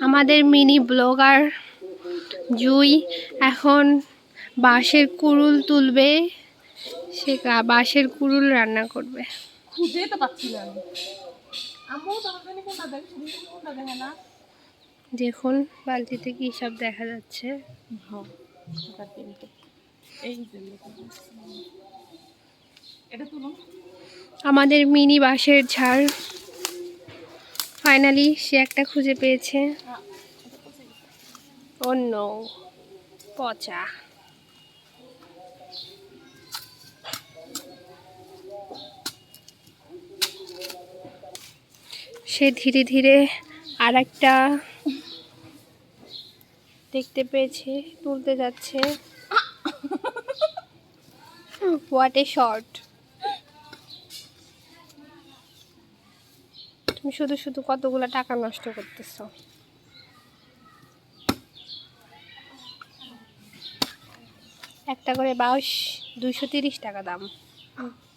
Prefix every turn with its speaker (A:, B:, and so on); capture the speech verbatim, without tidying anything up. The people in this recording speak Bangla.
A: আমাদের মিনি ব্লগার জুই এখন বাঁশের কুড়ুল তুলবে, সে বাঁশের কুড়ুল রান্না করবে।
B: খুঁজে তো পাচ্ছি না আমি। আম্মু তোমার জন্য কোনটা দেখ, শুধু কোনটা দেখে না।
A: দেখুন বালতিতে কি সব দেখা যাচ্ছে।
B: হ্যাঁ, কিন্তু এই যে এটা তুলুন।
A: আমাদের মিনি বাঁশের ঝাড় ফাইনালি সে একটা খুঁজে পেয়েছে। অন্য পচা। সে ধীরে ধীরে আর একটা দেখতে পেয়েছে, তুলতে যাচ্ছে। What a shot! তুমি শুধু শুধু কতগুলো টাকা নষ্ট করতেছো। একটা করে বাঁশ দুইশো তিরিশ টাকা দাম।